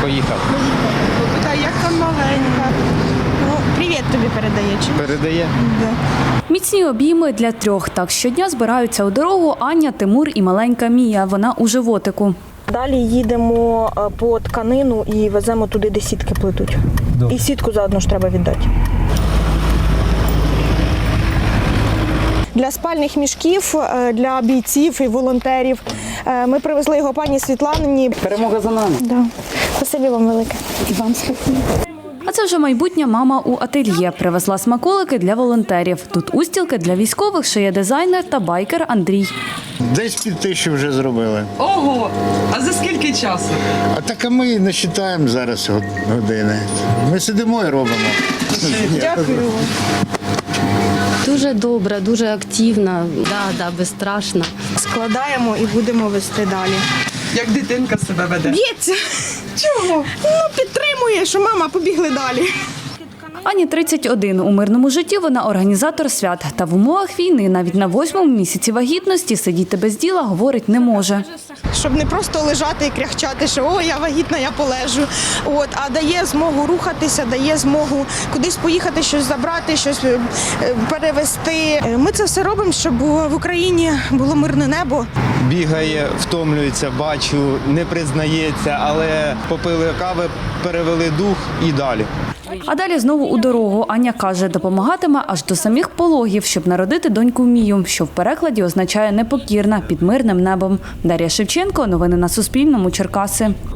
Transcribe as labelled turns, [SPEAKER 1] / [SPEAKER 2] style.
[SPEAKER 1] Поїхав.
[SPEAKER 2] Питаю, як там маленька. Ну, привіт тобі передає. Чи?
[SPEAKER 1] Передає?
[SPEAKER 2] Да.
[SPEAKER 3] Міцні обійми для трьох. Так щодня збираються у дорогу Аня, Тимур і маленька Мія. Вона у животику.
[SPEAKER 2] Далі їдемо по тканину і веземо туди, де сітки плетуть. І сітку заодно ж треба віддати. Для спальних мішків, для бійців і волонтерів. Ми привезли його пані Світлані.
[SPEAKER 1] Перемога за нами.
[SPEAKER 2] Да. Спасибі вам велике. І вам спасибі.
[SPEAKER 3] А це вже майбутня мама у ательє. Привезла смаколики для волонтерів. Тут устілки для військових шиє дизайнер та байкер Андрій.
[SPEAKER 4] Десь 5 000 вже зробили.
[SPEAKER 5] Ого! А за скільки часу?
[SPEAKER 4] А так ми не вважаємо зараз години. Ми сидимо і робимо.
[SPEAKER 2] Дякую вам.
[SPEAKER 6] Дуже добра, дуже активна, безстрашна.
[SPEAKER 2] Складаємо і будемо вести далі.
[SPEAKER 5] Як дитинка себе веде?
[SPEAKER 2] Б'ється. Чого? Ну, підтримує, що мама, побігли далі.
[SPEAKER 3] Ані 31. У мирному житті вона організатор свят. Та в умовах війни навіть на 8-му місяці вагітності сидіти без діла, говорить, не може.
[SPEAKER 2] Щоб не просто лежати і кряхчати, що «О, я вагітна, я полежу». А дає змогу рухатися, дає змогу кудись поїхати, щось забрати, щось перевезти. Ми це все робимо, щоб в Україні було мирне небо.
[SPEAKER 1] Бігає, втомлюється, бачу, не признається, але попили кави, перевели дух і далі.
[SPEAKER 3] А далі знову у дорогу. Аня каже, допомагатиме аж до самих пологів, щоб народити доньку Мію, що в перекладі означає «непокірна» під мирним небом. Дар'я Шевченко. Новини на Суспільному. Черкаси.